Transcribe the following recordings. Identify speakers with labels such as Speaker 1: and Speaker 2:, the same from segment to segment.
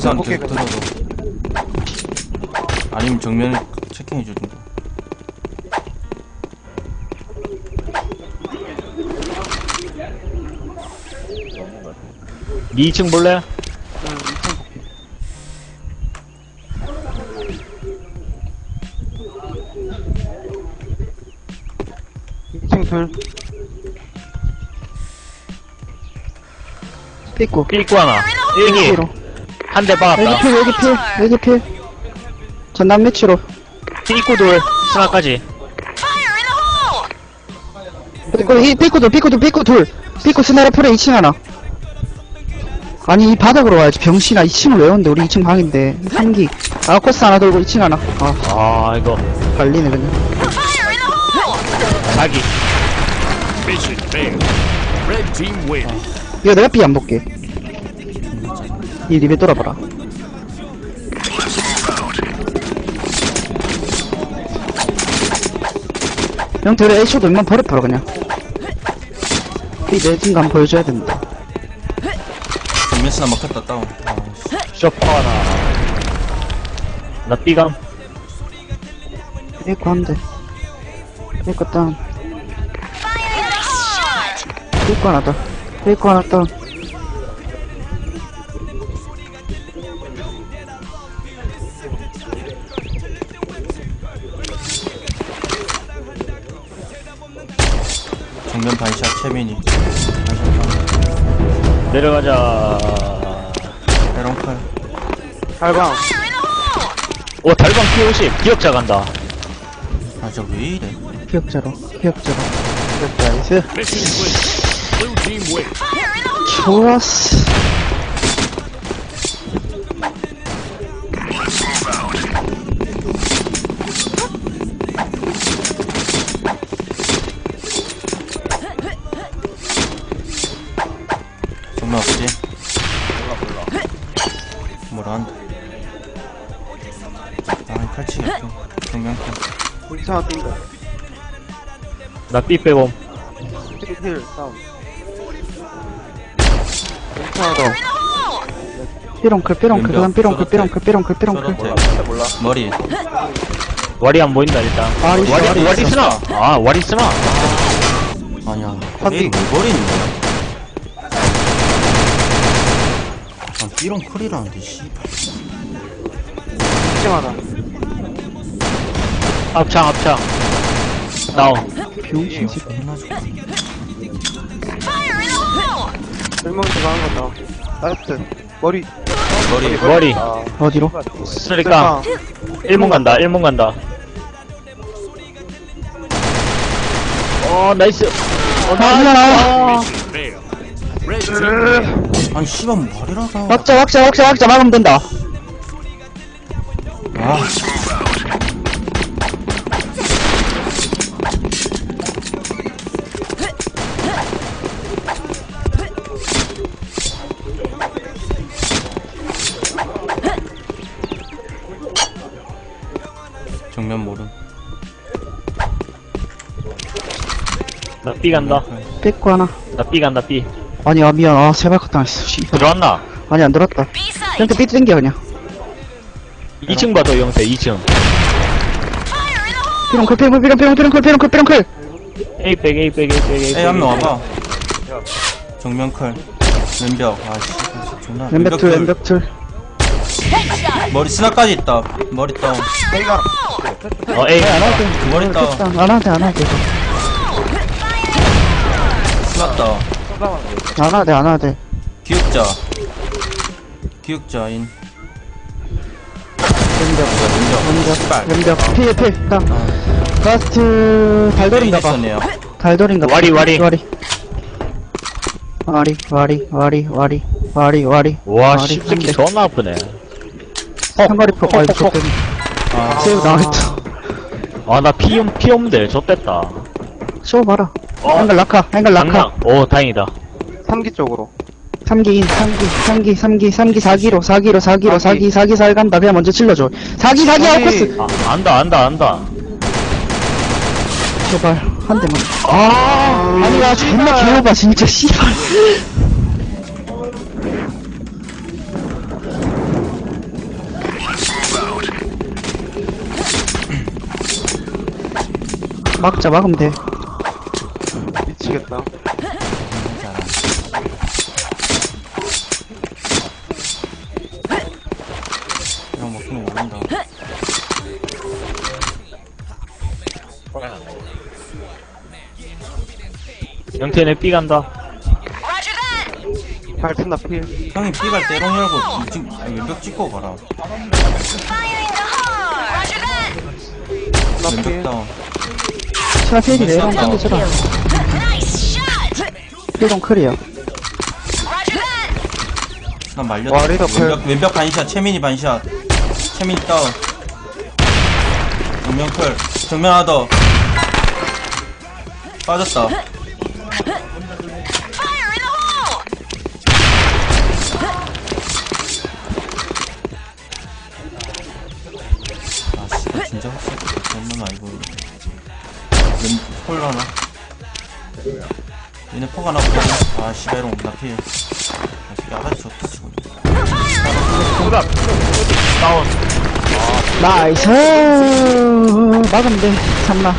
Speaker 1: 이상
Speaker 2: 오케이,
Speaker 1: 들어도 아니면 정면 체킹해주든가.
Speaker 3: 니 2층 볼래?
Speaker 2: 이층 둘.
Speaker 4: 삐꾸.
Speaker 3: 삐꾸 하나. 일기.
Speaker 4: 삐꾸로.
Speaker 3: 한 대
Speaker 4: 여기
Speaker 3: 박았다.
Speaker 4: 필, 여기 필, 여기 필. 전남 매치로.
Speaker 3: 삐꾸 돌. 스나까지.
Speaker 4: 삐꾸 둘. 삐꾸 스나라 풀에 2층 하나. 아니, 이 바닥으로 와야지. 병신아, 2층을 왜 오는데? 우리 2층 방인데. 3기. 아코스 하나 돌고 2층 하나. 아,
Speaker 3: 아, 이거.
Speaker 4: 발리네, 그냥.
Speaker 3: 자기.
Speaker 4: 이거 내가 B 안 볼게. 이 리베 돌아봐라. 형, 들어 A쇼도 웬만 버려버려, 그냥. B 내진감 보여줘야 된다.
Speaker 1: 정면 스나 막혔다 다운.
Speaker 3: 쇼퍼 하나. 나 삐감.
Speaker 4: 삐꾸 한 대. 삐꾸 다운. 삐꾸 하나 더. 삐꾸 하나 다운.
Speaker 1: 정면 반샷 채민이.
Speaker 3: 내려가자.
Speaker 1: 에런칼.
Speaker 2: 달방.
Speaker 3: 오, 달방 P50. 기억자 간다.
Speaker 1: 아, 저 왜 이래?
Speaker 4: 기억자로. 기억자로.
Speaker 2: 나이스.
Speaker 4: 좋았어.
Speaker 1: 정면 없지? 뭐라 한다. 아, 칼치겠다. 정면 칼.
Speaker 2: 우리 차가 뛴다.
Speaker 3: 나 삐 빼봄.
Speaker 2: 힐, 다운. 우리 차가 더.
Speaker 4: 삐롱클, 삐롱클, 그다음 삐롱클, 삐롱클, 삐롱클, 삐롱클.
Speaker 1: 몰라. 머리.
Speaker 3: 와리 안 보인다, 일단. 와리 쓰나? 아, 와리 쓰나?
Speaker 1: 아니야.
Speaker 2: 한디.
Speaker 1: 에이, 왜 버리는 거야? 아, 삐롱 클이라는데, 씨발.
Speaker 2: 2층 하나.
Speaker 3: 합창. 다운.
Speaker 4: 병신 집.
Speaker 1: 겁나 좋다.
Speaker 2: 일문 들어가는 거 다. 나이스. 머리.
Speaker 3: 머리.
Speaker 2: 아,
Speaker 4: 어디로?
Speaker 3: 쓰리깡. 1문 간다. 나이스.
Speaker 4: 아,
Speaker 1: 아니, 씨발, 머리라서.
Speaker 4: 왁자, 막으면 된다.
Speaker 1: 아, 정면 모름.
Speaker 3: 나 삐 간다.
Speaker 4: 삐꾸 하나.
Speaker 3: 나 삐 간다, 삐.
Speaker 4: 아니, 미안. 세발컷 당했어. 씨.
Speaker 3: 들어왔나?
Speaker 4: 아니, 안 들었다. 땡겨, 삐 땡겨, 그냥.
Speaker 3: 2층 봐도 영세, 2층.
Speaker 4: 삐롱클.
Speaker 3: 에이백.
Speaker 1: 에이, 한 명 와봐. 정면 칼. 왼벽. 아, 씨. 존나.
Speaker 4: 왼벽 틀.
Speaker 1: 머리 스나까지 있다. 머리 다운.
Speaker 2: A가.
Speaker 3: 에이.
Speaker 4: 안 하대.
Speaker 1: 머리 다운.
Speaker 4: 안 하대.
Speaker 1: 스나 다운.
Speaker 4: 안 하대.
Speaker 1: 기억자인.
Speaker 4: 왼벽. 필. 라스트, 달돌인가봐.
Speaker 1: 있었네요.
Speaker 4: 달돌인가봐.
Speaker 3: 와리. 와리. 와,
Speaker 4: 와리
Speaker 3: 씹새끼
Speaker 4: 한 대.
Speaker 3: 존나 아프네.
Speaker 4: 상거리포, 좋대.
Speaker 1: 아,
Speaker 4: 세이브 나와있다.
Speaker 3: 아, 나 피 없는데, 좆됐다.
Speaker 4: 쏘봐라. 앵글 라카.
Speaker 3: 장난. 오, 다행이다.
Speaker 2: 3기 쪽으로.
Speaker 4: 3기 4기 살 간다. 그냥 먼저 질러줘. 4기 아웃코스.
Speaker 3: 아, 안다.
Speaker 4: 제발 한 대만. 아니 나 존나 개오바 진짜 씨발. 막으면 돼.
Speaker 2: 미치겠다.
Speaker 1: 그냥 먹기는 모른다.
Speaker 3: 영태네 B 간다.
Speaker 2: 발 튼다 필.
Speaker 1: 형이 B갈 때롱 열고 지금 왼벽 찍고 가라.
Speaker 2: 나
Speaker 1: 왼벽
Speaker 2: 필.
Speaker 1: 다운.
Speaker 4: 시나 필이 내롱 땡겨줘라. 필동 클이야.
Speaker 1: 나 말렸다.
Speaker 2: 와, 리더 펠.
Speaker 1: 왼벽 반샷, 채민이 반샷. 채민이 다운. 정면 클. 정면 하나 더. 빠졌다. 아, 씨, 진짜 확실히 장난 아니고. 폴 하나. 얘네 폭 하나 보자. 아, 씨베롱, 나 피해. 아, 씨, 아가씨 좋다, 지금.
Speaker 3: 다운.
Speaker 4: 나이스. 막으면 돼. 참나.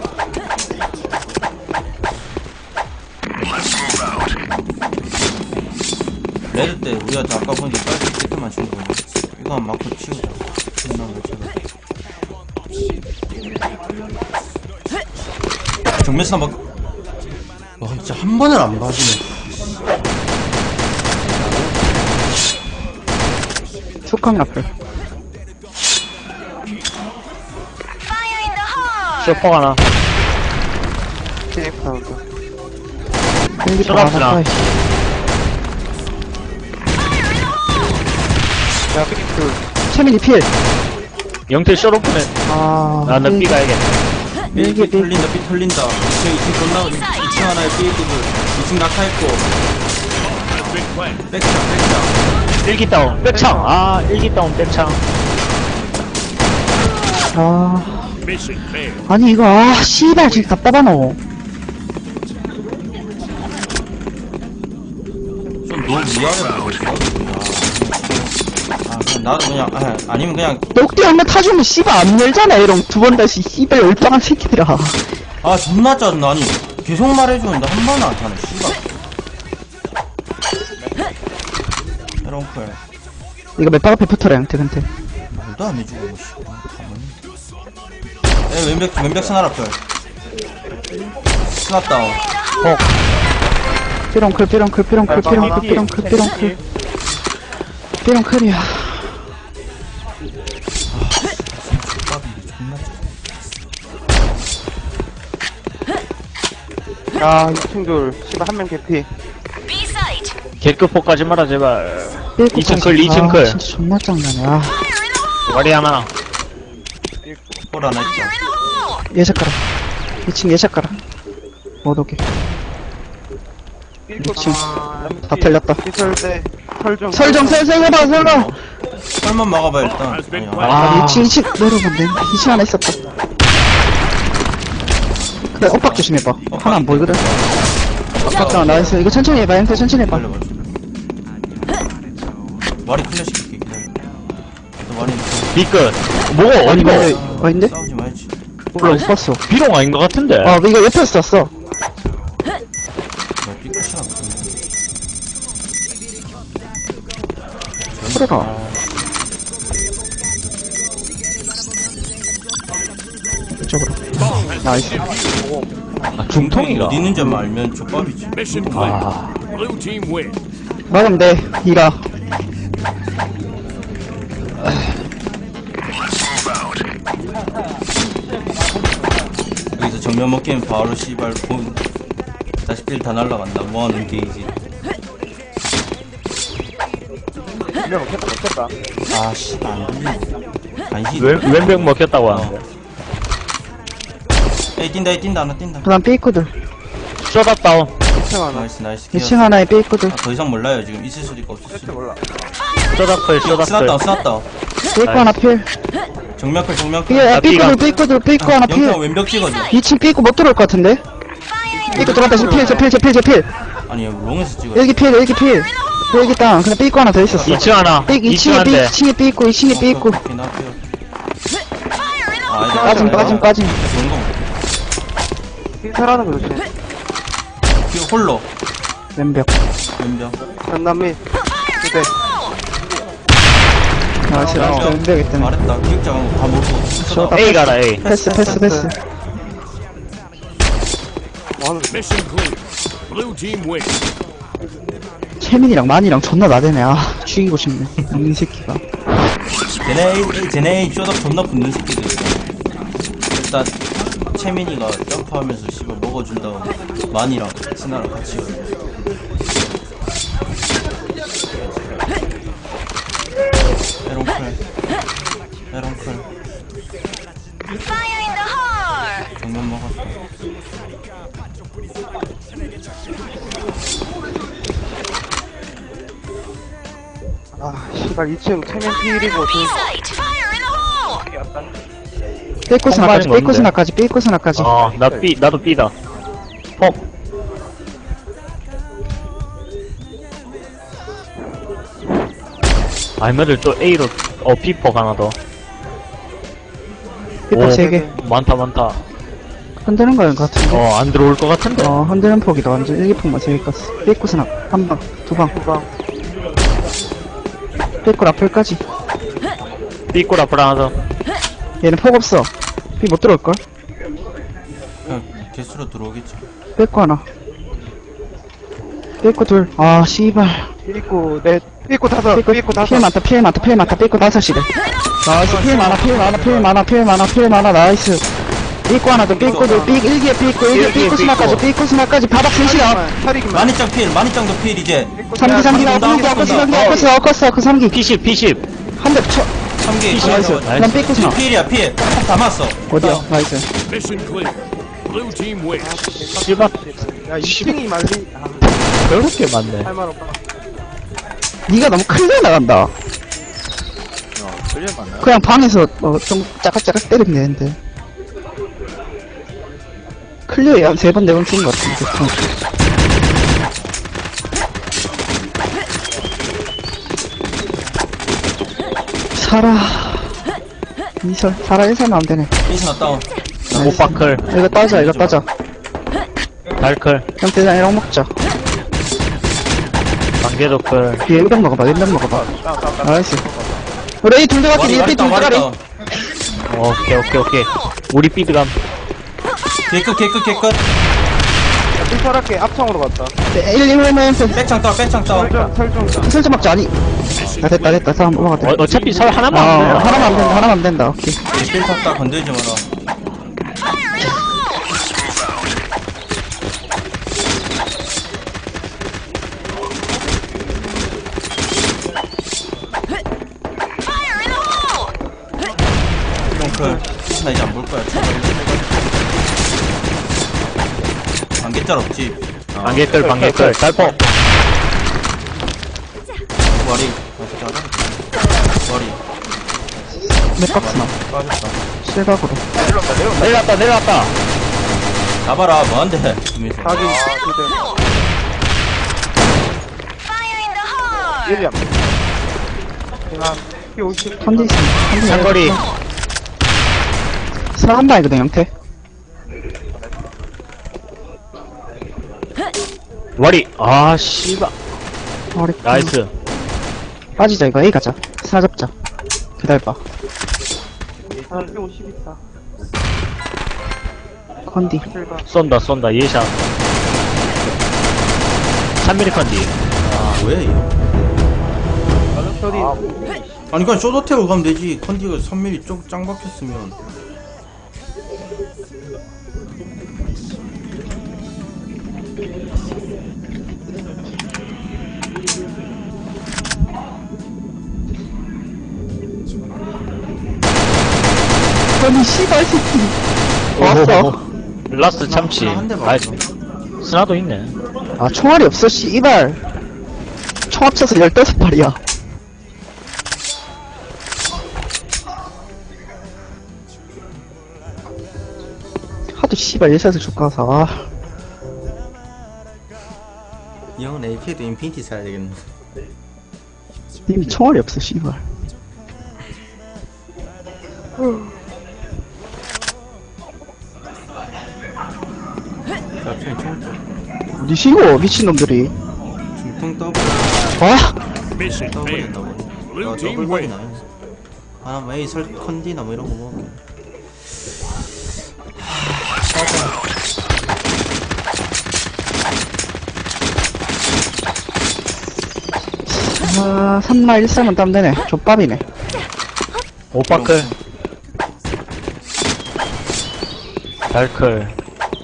Speaker 1: 레드 때 우리가 아까 보니까 빨리 깨끗만 준 거야. 이거 한 맞고 치우자. 끝난 거 제가. 정면스나 막. 와, 진짜 한 번을 안 봐주네.
Speaker 4: 축항 앞을.
Speaker 3: 쇼퍼 하나.
Speaker 2: TF 나온다.
Speaker 4: 일기
Speaker 3: 쇼랍스나.
Speaker 2: 야, 삐끗.
Speaker 4: 채민이 필.
Speaker 3: 영태 쇼로프네.
Speaker 4: 아.
Speaker 3: 나는 B 가야겠다.
Speaker 4: 일기
Speaker 1: 삐 털린다, 삐 털린다. 2층 존나, 2층 하나에 삐끗을. 2층 낙하했고. 백창.
Speaker 3: 일기 다운. 백창. 아, 일기 다운 백창.
Speaker 4: 아. 아니 이거 씨발 진짜 답답하노.
Speaker 1: 좀 너무 미안해 보여. 아, 그냥 나도 그냥, 아니면 그냥,
Speaker 4: 녹디 한번 타주면 씨발 안 열잖아 이런 두 번 다시 씨발 열방한 새끼들아.
Speaker 1: 아, 존나 짜증나. 아니, 계속 말해주는데 한 번은 안 타네, 씨발. 에런클.
Speaker 4: 이거 몇 박 앞에 붙어라 양태한테.
Speaker 1: 말도 안 해주고, 씨. 가만히. 왼벽 스나라 클. 스나 다운.
Speaker 4: 삐렁클 삐렁클 삐렁클 삐렁클 삐렁클 삐렁클 삐렁클이야.
Speaker 2: 야, 2층 둘. 씨발, 한 명 개피.
Speaker 3: 개급 포까지 마라, 제발.
Speaker 4: 삐끗
Speaker 3: 2층
Speaker 4: 봤어.
Speaker 3: 클, 2층
Speaker 4: 아,
Speaker 3: 클.
Speaker 4: 진짜 존나 짱나네. 아
Speaker 3: 와리 하나.
Speaker 1: 볼 하나 있죠.
Speaker 4: 예샷가라. 2층 예샷가라. 못 오게.
Speaker 2: 삐끗.
Speaker 4: 다 털렸다.
Speaker 2: 피설 때. 설정.
Speaker 4: 설정 해봐 설정.
Speaker 1: 설만 막아봐, 일단. 아니,
Speaker 3: 아.
Speaker 4: 2층 내려오면 돼. 2층 하나 있었다. 그래 엇박 조심해봐. 하나 안 보이거든. 엇박 나이스. 이거 천천히 해봐. 양태 천천히 해봐.
Speaker 1: 빨리. 와리 클래식 시킬게, 기다려. 너 와리
Speaker 3: B끝. 뭐가
Speaker 4: 아니
Speaker 3: 어디가?
Speaker 4: 근데 아닌데?
Speaker 1: 싸우지 말지.
Speaker 4: 몰라 못 봤어.
Speaker 3: B롱 아닌 것 같은데.
Speaker 4: 아 이거 옆에서 쐈어.
Speaker 1: 너 삐끗이나 보네.
Speaker 4: 그래라. 이쪽으로. 나이스.
Speaker 3: 아, 중통이가.
Speaker 1: 어디 있는지 알면 족밥이지.
Speaker 5: Mission
Speaker 3: 아.
Speaker 5: clear. Blue team win.
Speaker 4: 막으면 돼. 이라.
Speaker 1: 여기서 정면 먹기면 바로 씨발 본 다시 필 다 날라간다. 뭐하는 게이지.
Speaker 2: 분명 먹혔다.
Speaker 1: 아 씨발 안 들리네. 간시.
Speaker 3: 왼벽 먹혔다고 하는데.
Speaker 1: 에이 뛴다 하나 뛴다.
Speaker 4: 그 다음 삐꾸들.
Speaker 3: 쇼다 다운.
Speaker 2: 2층 하나.
Speaker 1: 나이스
Speaker 4: 2층 하나에 삐꾸들.
Speaker 1: 아, 더 이상 몰라요 지금 있을 수도 있고 없을 수도 있고.
Speaker 2: 몰라.
Speaker 3: 쇼다 클, 쇼다 클.
Speaker 1: 스났다.
Speaker 4: 삐꾸 하나 필.
Speaker 1: 정면클
Speaker 4: 삐,
Speaker 3: 삐가.
Speaker 4: 삐꾸들 삐꾸 하나 필.
Speaker 1: 영평 왼벽 찍어줘.
Speaker 4: 2층 삐꾸 못 들어올 것 같은데? 삐꾸 들어갔다. 저 필.
Speaker 1: 아니 롱에서 찍어.
Speaker 4: 여기 필. 여기 땅. 근데 삐꾸 하나 더 있었어.
Speaker 3: 2층 하나.
Speaker 4: 2층에
Speaker 3: 한 대.
Speaker 4: 2층에 삐꾸.
Speaker 1: 빠짐.
Speaker 4: 빠짐.
Speaker 1: 좋은 거.
Speaker 2: 삐살하는 거 조심.
Speaker 1: 그 홀로.
Speaker 4: 왼벽.
Speaker 1: 왼병.
Speaker 2: 전남미. 그대.
Speaker 4: 나이스, 라스트 왼벽 있다네.
Speaker 1: 말했다. 기억자간 거다 모르고.
Speaker 4: 쇼다.
Speaker 3: A 가라 A.
Speaker 4: 패스.
Speaker 2: 뭐 하는 거야?
Speaker 5: Mission clear. Blue team win.
Speaker 4: 채민이랑 만이랑 존나 나대네. 아, 죽이고 싶네. 이 새끼가.
Speaker 1: 쟤네 쇼답 존나 붙는 새끼들. 일단, 채민이가 점프하면서 씨발 먹어준 다음, 만이랑 스나랑 같이 가요. 에런클. 정면 먹었어.
Speaker 2: 아, 씨발, 2층 체면 피일이고,
Speaker 4: 삐꾸스나까지.
Speaker 3: 나도 B다. pom알면을 또 A로, B폭 하나 더.
Speaker 4: 삐폭 3개.
Speaker 3: 많다.
Speaker 4: 흔드는 거인 것 같은데.
Speaker 3: 안 들어올 것 같은데.
Speaker 4: 흔드는 폭이다. 완전 일기폭만 3개 깠어. 삐꾸스나. 한 방, 두 방. 삐꾸 라플까지.
Speaker 3: B꼴 앞으로 하나 더.
Speaker 4: 얘는 폭 없어. 삐 못 들어올걸?
Speaker 1: 그냥 개수로 들어오겠지.
Speaker 4: 삐꾸 하나. 삐꾸 둘. 아, 씨발.
Speaker 2: 삐꾸 넷, 삐꾸 다섯, 삐꾸 다섯.
Speaker 4: 필 많다. 삐꾸 5시래. 나이스. 필 많아. 나이스. 삐꾸 하나 더. 삐꾸 둘. 일기에 삐꾸 스나까지. 바닥 셋이야.
Speaker 2: 차리기만.
Speaker 1: 만이짱도 필, 이제.
Speaker 4: 3기 나왔어. 그 3기.
Speaker 3: P10.
Speaker 4: 한 대 쳐.
Speaker 1: 3개.
Speaker 4: 나이스. 난 삐꾸 스나.
Speaker 1: 필이야, 필. 다 맞았어.
Speaker 4: 어디야? 나이스.
Speaker 5: Mission clear. Blue team win.
Speaker 3: 씨발.
Speaker 2: 야, 2층이 말리.
Speaker 3: 그렇게 많네.
Speaker 2: 할말 없다.
Speaker 4: 니가 너무 크게 나간다. 그냥 방에서 좀 짜깍짜깍 때리면 되는데. 클리어에 한 3번, 4번 죽은 것 같은데. 사라. 이설. 사라 1설 나오면 되네.
Speaker 1: 필스나 다운.
Speaker 3: 오빠클.
Speaker 4: 이거 따자.
Speaker 3: 달클.
Speaker 4: 형 대장이랑 먹자.
Speaker 3: 관계도클.
Speaker 4: 뒤에 1병 먹어봐. 나이스. 우리 둘 들어갈게. 니에 둘 들어가리.
Speaker 3: 오케이. 우리 B드감.
Speaker 1: 개끝.
Speaker 2: 삐살할게. 앞창으로 갔다.
Speaker 4: 1,
Speaker 1: 백창 다운.
Speaker 2: 설정.
Speaker 4: 설정 막자. 아니. 됐다. 다음 넘어갔다.
Speaker 3: 어차피 설 하나만 안 돼.
Speaker 4: 하나만 안 된다. 오케이.
Speaker 1: 필 탔다 건들지 마라. 나 이제 안 볼 거야. 안개짤 없지.
Speaker 3: 관계클. 달폭.
Speaker 1: 머리.
Speaker 4: 몇 박스나.
Speaker 1: 빠졌다.
Speaker 4: 실각으로.
Speaker 3: 내려왔다.
Speaker 1: 잡아라. 뭐한데?
Speaker 2: 자기, 그대. 1이 안 돼. 야, P50.
Speaker 4: 컨디션.
Speaker 3: 상거리.
Speaker 4: 스나 한 방이거든, 형태.
Speaker 3: 와리. 씨발.
Speaker 4: 어렵다.
Speaker 3: 나이스.
Speaker 4: 빠지자, 이거. A 가자. 스나 잡자. 기다려봐.
Speaker 2: 아, P50 있다.
Speaker 4: 컨디.
Speaker 3: 쏜다. 예샷. 3mm 컨디.
Speaker 1: 뭐야, 얘?
Speaker 2: 저리.
Speaker 1: 아니, 그냥 쇼도테고 가면 되지. 컨디가 3mm 짱 박혔으면.
Speaker 4: 아니, 씨발, 새끼. 왔어.
Speaker 3: 라스트 참치.
Speaker 1: 한대
Speaker 3: 나이스. 스나도 있네.
Speaker 4: 아, 총알이 없어, 씨발. 총 합쳐서 15발이야. 하도 씨발 예샷을 족가서, 아.
Speaker 1: 이 형은 AP에도 인피니티 사야 되겠네.
Speaker 4: 이미 총알이 없어, 씨발.
Speaker 1: 앞에 총
Speaker 4: 니시고 미친놈들이.
Speaker 1: 중통 더블
Speaker 4: 와,
Speaker 5: Mission
Speaker 1: 더블이
Speaker 5: failed.
Speaker 1: 더블.
Speaker 5: Blue
Speaker 1: 아
Speaker 5: team
Speaker 1: 더블
Speaker 5: win.
Speaker 1: 버리나. 아 뭐 A 설 컨디나 뭐 이런 거 먹을게.
Speaker 4: 아, 3마 1삼은 땀되네. 족밥이네.
Speaker 3: 오빠클. 달클.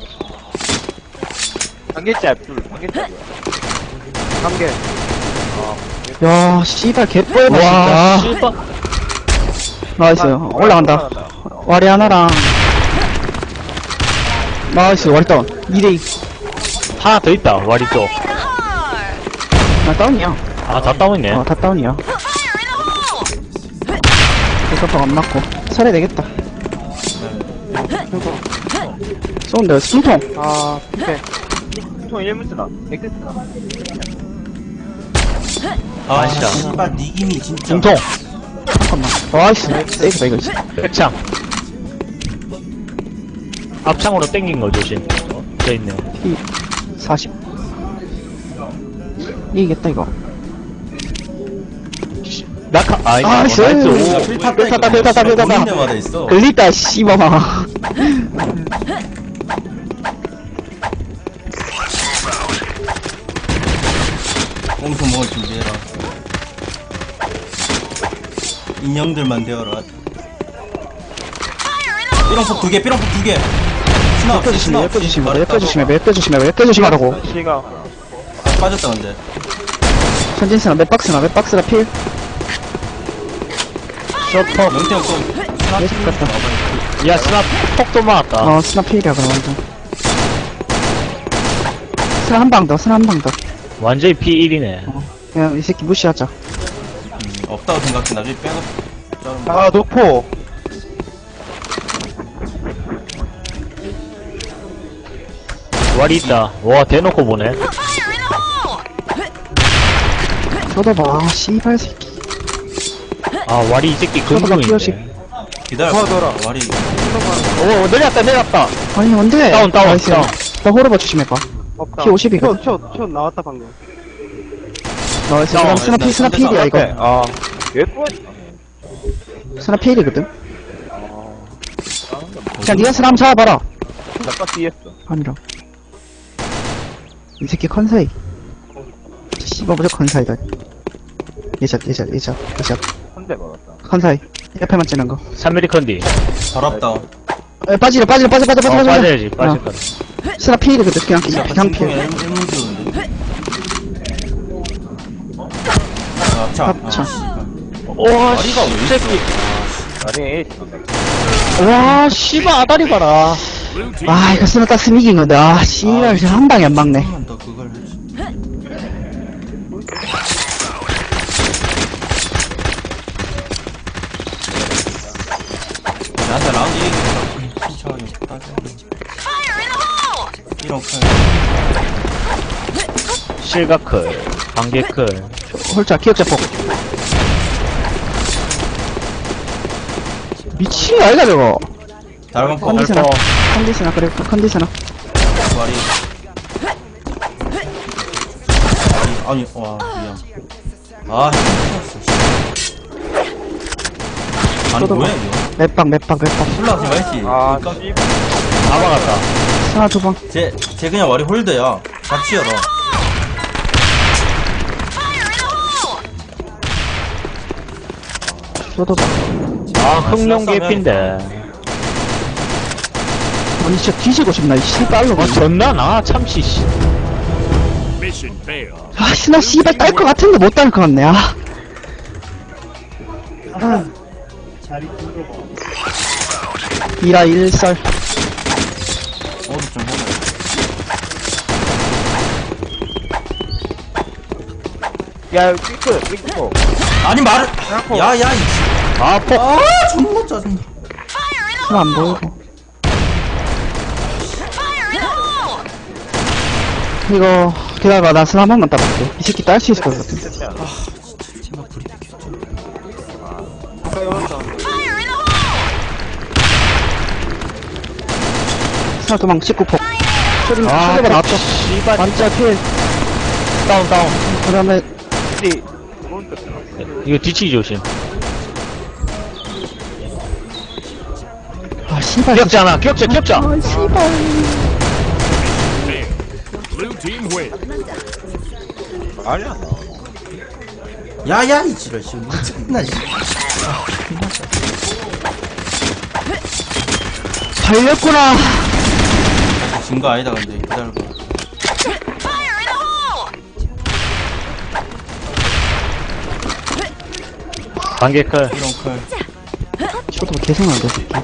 Speaker 2: 한 개.
Speaker 4: 야, 씨발, 개뻘다,
Speaker 3: 와,
Speaker 4: 진짜.
Speaker 3: 씨발.
Speaker 4: 나이스. 올라간다. 와리 하나랑. 나이스, 와리 다운. 2대2.
Speaker 3: 하나 더 있다, 와리 쪽.
Speaker 4: 나 다운이야.
Speaker 3: 아, 다 다운이네.
Speaker 4: 다 다운이야. 대서방 안 맞고. 살해야 되겠다. 쏜다, 숨통.
Speaker 2: 아, 오케이.
Speaker 1: 아
Speaker 3: 아시아.
Speaker 1: 씨발 니김이 진짜.
Speaker 3: 중통.
Speaker 4: 잠깐만. 나이스. 세이프다, 이거.
Speaker 3: 백창. 앞창으로 땡긴 거 조심. 돼 있네.
Speaker 4: 40. 이기겠다, 이거.
Speaker 3: 낙하, 아, 이거
Speaker 4: 나이스.
Speaker 3: 나이스.
Speaker 1: 야,
Speaker 3: 오.
Speaker 1: 필 탔다,
Speaker 4: 탔다,
Speaker 1: 이거.
Speaker 4: 탔다, 탔다.
Speaker 1: 보는 데마다 있어.
Speaker 4: 걸리다, 씨발아.
Speaker 1: 꽁수 먹을 준비해라. 인형들만 되어라. 삐롱폭 2개, 삐롱폭 2개. 스나 없이, 스나
Speaker 4: 옆에
Speaker 1: 없이.
Speaker 4: 조심해, 옆에 조심해, 옆에 조심해, 옆에 조심하라고.
Speaker 1: 빠졌다, 근데.
Speaker 4: 천진스나, 맵박스나, 맵박스나 필.
Speaker 3: 쇼퍼.
Speaker 1: 영태 형 또. 스나
Speaker 4: 예측
Speaker 1: 팀
Speaker 4: 같다.
Speaker 1: 와봐.
Speaker 3: 야, 스나 폭도 맞았다.
Speaker 4: 어, 스나 필이야, 그럼 완전. 스나 한 방 더, 스나 한 방 더.
Speaker 3: 완전히 P1이네.
Speaker 4: 그냥 이 새끼 무시하자.
Speaker 1: 없다고 생각해, 나중에 빼고.
Speaker 2: 아, 노포.
Speaker 3: 와리 있다. 와, 대놓고 보네.
Speaker 4: 쏟아봐, 씨발 새끼.
Speaker 3: 아, 와리 이 새끼
Speaker 4: 피어식.
Speaker 3: 금붕인데.
Speaker 1: 기다려.
Speaker 2: 도와줘라.
Speaker 1: 와리.
Speaker 3: 오, 내렸다, 내렸다.
Speaker 4: 아니, 뭔데?
Speaker 3: 다운, 다운,
Speaker 4: 나이스.
Speaker 3: 다운.
Speaker 4: 나 호러버 조심해봐.
Speaker 2: 없다.
Speaker 4: 피 50이거든.
Speaker 2: 초 나왔다, 방금.
Speaker 4: 나이스. 그럼 스나 필, 스나 필이야, 이거.
Speaker 2: 아,
Speaker 4: 스나 필이거든. 그냥 니가 스나 한번 잡아봐라. 아니라. 이 새끼 컨사이. 씨발, 무조건 컨사이다. 예샷. 컨사이. 옆에만 찌는 거.
Speaker 3: 3mm 컨디.
Speaker 1: 더럽다.
Speaker 4: 에, 빠지려.
Speaker 3: 빠져야지, 빠질 거다.
Speaker 4: 스나 필이거든. 그냥 필.
Speaker 1: 1문 지우는데. 아, 자.
Speaker 4: 합창.
Speaker 3: 와,
Speaker 1: 와리가 왜 있어?
Speaker 3: 새끼. 와, 씨발, 아다리 봐라.
Speaker 5: Blue team
Speaker 4: 아, 이거 스나 땄으면 이긴 건데. 아, 씨발, 지금 한 방에 안 막네.
Speaker 1: 한번 더 그걸 해야지. 나한테 라운드 이기겠다. 천천히 따져. 이런 칼.
Speaker 3: 실가클. 반개클.
Speaker 4: 홀짝, 기억자폭. 미친 거 아이가, 저거.
Speaker 1: 달방 폭.
Speaker 4: 컨디스나. 컨디스나, 그래, 컨디스나.
Speaker 1: 와리. 아니, 와, 미안. 아, 힘들었어. 아니, 뭐야, 이거?
Speaker 4: 맵방.
Speaker 1: 올라가지 말지.
Speaker 2: 아,
Speaker 1: 그러니까
Speaker 3: 다 막았다.
Speaker 4: 스나 두 방.
Speaker 1: 쟤 그냥 와리 홀드야. 같이 열어.
Speaker 4: 쏟아봐.
Speaker 3: 아, 흑룡 개핀데.
Speaker 4: 아니, 진짜 뒤지고 싶나, 이 씨발로.
Speaker 3: 아, 졌나? 나 참치, 씨.
Speaker 5: mission failed.
Speaker 4: 아, 스나 씨발 딸 것 같은데 못 딸 것 같네, 아. 이라 일설.
Speaker 1: 어디 좀 해봐. 아니, 말을. 야, 이 씨.
Speaker 3: 아, 폭.
Speaker 1: 아, 존나 짜증나.
Speaker 4: 스나 안 보이고. 이거, 기다려봐. 나 스나 한 번만 따볼게. 이 새끼 딸 수 있을 것 같아.
Speaker 1: 제발 불이 켜줘.
Speaker 4: 스나 도망 19폭. 소리,
Speaker 3: 아,
Speaker 4: 소리가 나왔다.
Speaker 3: 씨발.
Speaker 4: 반짝 필.
Speaker 3: 다운, 다운.
Speaker 4: 그 다음에,
Speaker 2: 띠.
Speaker 3: 이거 뒤치기 조심.
Speaker 4: 아, 씨발.
Speaker 3: 기억자 하나, 기억자.
Speaker 4: 아, 씨발.
Speaker 5: Failed. Blue team win.
Speaker 2: 아니야.
Speaker 1: 야야 이 지랄 씨 미쳤나 씨.
Speaker 4: 달렸구나.
Speaker 1: 진 거 아니다 근데 기다려봐.
Speaker 3: 반개클.
Speaker 1: 이런 칼.
Speaker 4: 쇼도 계속 나온다, 새끼.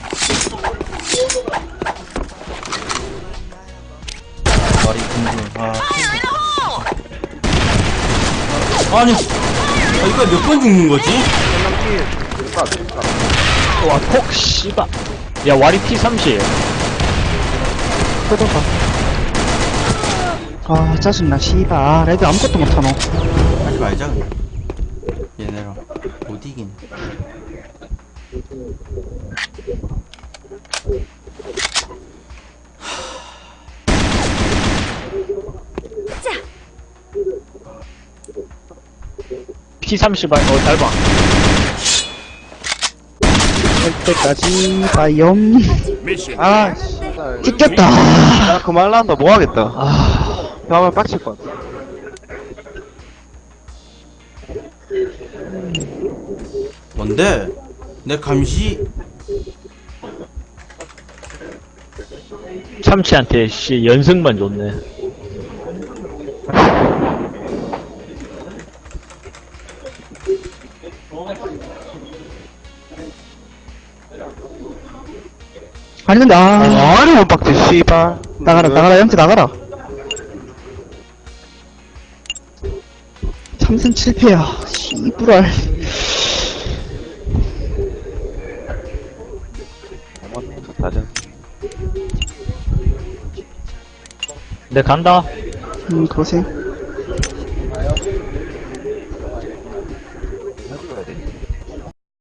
Speaker 1: 말이 궁금. 아니 이거 몇 번 죽는 거지?
Speaker 3: 와, 폭, 씨발. 야, 와리 T30.
Speaker 4: 뜯어봐. 아, 짜증나, 씨발. 아, 레드 아무것도 못하노.
Speaker 1: 하지 말자 그냥. 얘네랑 못 이기네.
Speaker 3: T30, 잘 봐.
Speaker 4: 할 때까지, 바이옴.
Speaker 5: Mission
Speaker 2: 아,
Speaker 5: failed.
Speaker 2: 씨발.
Speaker 4: 찍혔다.
Speaker 2: 나 그만한다. 뭐 하겠다.
Speaker 4: 아,
Speaker 2: 다음에 빡칠 것 같아.
Speaker 1: 뭔데? 내 감시
Speaker 3: 참치한테, 씨, 연승만 줬네.
Speaker 4: 아니, 근데,
Speaker 2: 아니, 못 박지, 씨발.
Speaker 4: 나가라, 영태 나가라. 3승 7패야. 씨부랄.
Speaker 2: 다전.
Speaker 3: 내 간다.
Speaker 4: 고생.